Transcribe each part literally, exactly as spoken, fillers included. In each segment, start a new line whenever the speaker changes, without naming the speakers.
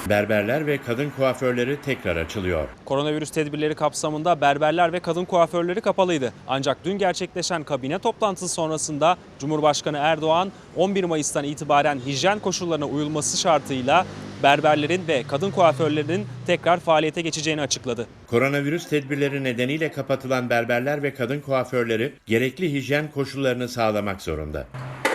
Berberler ve kadın kuaförleri tekrar açılıyor.
Koronavirüs tedbirleri kapsamında berberler ve kadın kuaförleri kapalıydı. Ancak dün gerçekleşen kabine toplantısı sonrasında Cumhurbaşkanı Erdoğan on bir Mayıs'tan itibaren hijyen koşullarına uyulması şartıyla berberlerin ve kadın kuaförlerinin tekrar faaliyete geçeceğini açıkladı.
Koronavirüs tedbirleri nedeniyle kapatılan berberler ve kadın kuaförleri gerekli hijyen koşullarını sağlamak zorunda.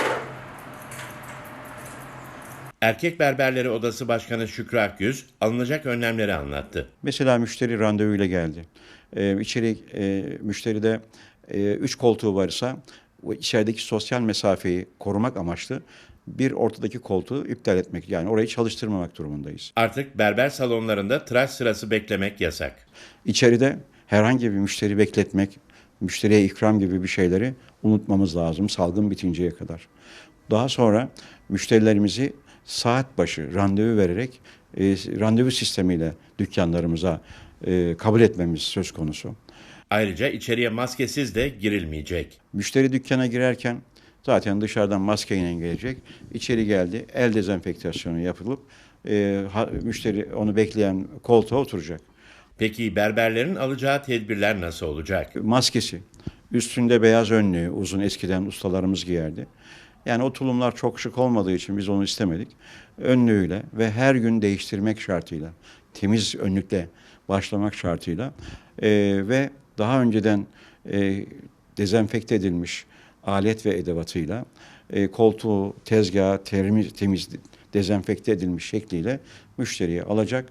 Erkek Berberleri Odası Başkanı Şükrü Akgüz alınacak önlemleri anlattı.
Mesela müşteri randevuyla geldi. Ee, içeri e, müşteride e, üç koltuğu varsa o içerideki sosyal mesafeyi korumak amaçlı bir ortadaki koltuğu iptal etmek, yani orayı çalıştırmamak durumundayız.
Artık berber salonlarında tıraş sırası beklemek yasak.
İçeride herhangi bir müşteri bekletmek, müşteriye ikram gibi bir şeyleri unutmamız lazım salgın bitinceye kadar. Daha sonra müşterilerimizi saat başı randevu vererek e, randevu sistemiyle dükkanlarımıza e, kabul etmemiz söz konusu.
Ayrıca içeriye maskesiz de girilmeyecek.
Müşteri dükkana girerken zaten dışarıdan maskeyle gelecek. İçeri geldi, el dezenfektasyonu yapılıp e, ha, müşteri onu bekleyen koltuğa oturacak.
Peki berberlerin alacağı tedbirler nasıl olacak?
Maskesi, üstünde beyaz önlüğü, uzun, eskiden ustalarımız giyerdi. Yani o tulumlar çok şık olmadığı için biz onu istemedik. Önlüğüyle ve her gün değiştirmek şartıyla, temiz önlükle başlamak şartıyla e, ve daha önceden e, dezenfekte edilmiş alet ve edevatıyla e, koltuğu, tezgahı temiz, temiz dezenfekte edilmiş şekliyle müşteriye alacak,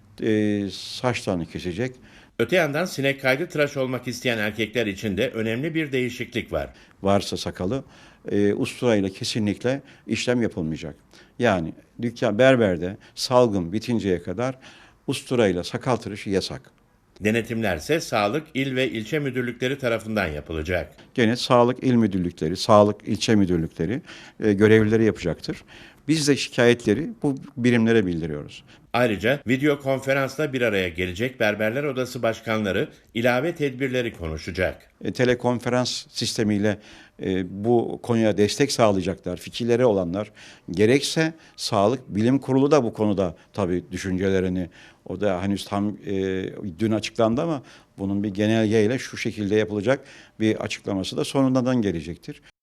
e, saçlarını kesecek.
Öte yandan sinek kaydı tıraş olmak isteyen erkekler için de önemli bir değişiklik var.
Varsa sakalı e, usturayla kesinlikle işlem yapılmayacak. Yani dükkan berberde salgın bitinceye kadar usturayla sakal tıraşı yasak.
Denetimlerse sağlık, il ve ilçe müdürlükleri tarafından yapılacak.
Gene sağlık il müdürlükleri, sağlık ilçe müdürlükleri e, görevlileri yapacaktır. Biz de şikayetleri bu birimlere bildiriyoruz.
Ayrıca video konferansla bir araya gelecek Berberler Odası başkanları ilave tedbirleri konuşacak.
E, telekonferans sistemiyle e, bu konuya destek sağlayacaklar, fikirleri olanlar. Gerekse Sağlık Bilim Kurulu da bu konuda tabii düşüncelerini, o da henüz tam e, dün açıklandı ama bunun bir genelgeyle şu şekilde yapılacak bir açıklaması da sonundan gelecektir.